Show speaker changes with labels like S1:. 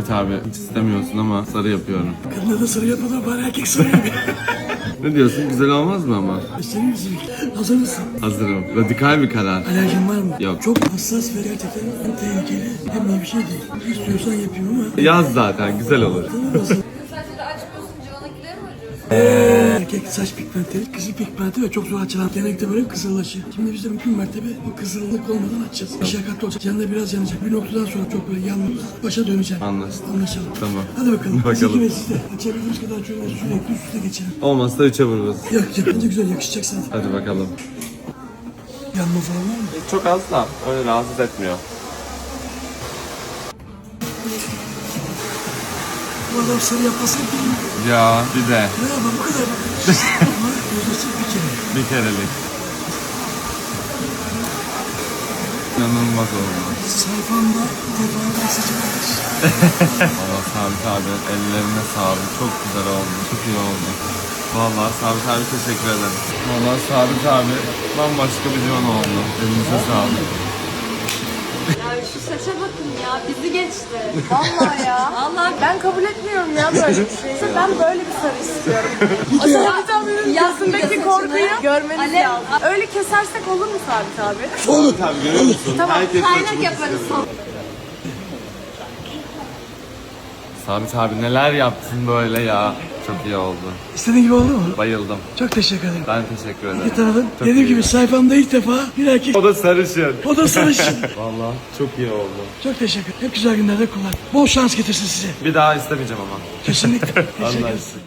S1: Sabit abi hiç istemiyorsun ama sarı yapıyorum.
S2: Kadına da sarı yapmadan bari erkek sarı yapıyor.
S1: Ne diyorsun? Güzel olmaz mı ama?
S2: Senin misin? Hazır mısın?
S1: Hazırım. Radikal bir karar.
S2: Alerjin var mı?
S1: Yok.
S2: Çok hassas ve gerçekten hem tehlikeli hem de bir şey değil. İstiyorsan yapayım ama.
S1: Yaz zaten güzel olur.
S3: Sadece de açmıyorsun, civana gider mi acıyorsun?
S2: Erkek saç pigmenti, kızıl pigmenti ve çok zor açılan. Genellikle böyle kızıllaşıyor. Şimdi biz de mümkün mertebe bu kızıllık olmadan açacağız. Meşakkatli olacak. Canında biraz yanacak. Bir noktadan sonra çok böyle yanmış. Başa dönecek.
S1: Anlaştık.
S2: Anlaşalım.
S1: Tamam.
S2: Hadi bakalım.
S1: Bakalım.
S2: Biz ikimiz de açabildiğimiz kadar şöyle sürekli üst üste geçelim.
S1: Olmazsa 3'e vururuz.
S2: Yok bence güzel yakışacak sana.
S1: Hadi bakalım.
S2: Yanma falan var mı?
S1: Çok az da öyle rahatsız etmiyor.
S2: Bu adam sarı yapmasın bilmiyor.
S1: Ya bir de
S2: Ne yapalım bu kadar. Ama gözüsü bir kere.
S1: bir kerelik. İnanılmaz oldu.
S2: Sayfamda defalarca sıcakmış.
S1: Valla Sabit abi ellerine sağlık. Çok güzel oldu. Çok iyi oldu. Valla Sabit abi teşekkür ederim. Valla Sabit abi bambaşka bir divan oldu. Elinize sağlık.
S3: Ya şu saça bakın ya, bizi geçti. Vallahi ya. Vallahi ben kabul etmiyorum ya böyle bir şeyi. Ben böyle bir sarı istiyorum. O Sabit abinin yüzündeki korkuyu görmeniz lazım. Öyle kesersek olur mu Sabit abi?
S2: Olur.
S1: Abi görüyor musun?
S3: Tamam,
S1: Herkes
S3: kaynak
S1: saçını
S3: yaparız
S1: istiyor.
S3: sonra.
S1: Sabit abi neler yaptın böyle ya. Çok iyi oldu.
S2: İstediğin gibi oldu mu?
S1: Bayıldım.
S2: Çok teşekkür ederim.
S1: Ben teşekkür ederim.
S2: İyi tanıdın.
S1: Çok
S2: Dediğim
S1: iyi.
S2: gibi sayfamda ilk defa bir erkek.
S1: O da sarışın.
S2: O da sarışın.
S1: Valla çok iyi oldu.
S2: Çok teşekkür ederim. Hep güzel günlerde kullan. Bol şans getirsin size.
S1: Bir daha istemeyeceğim ama.
S2: Kesinlikle. Teşekkür ederim.
S1: Anlaştık.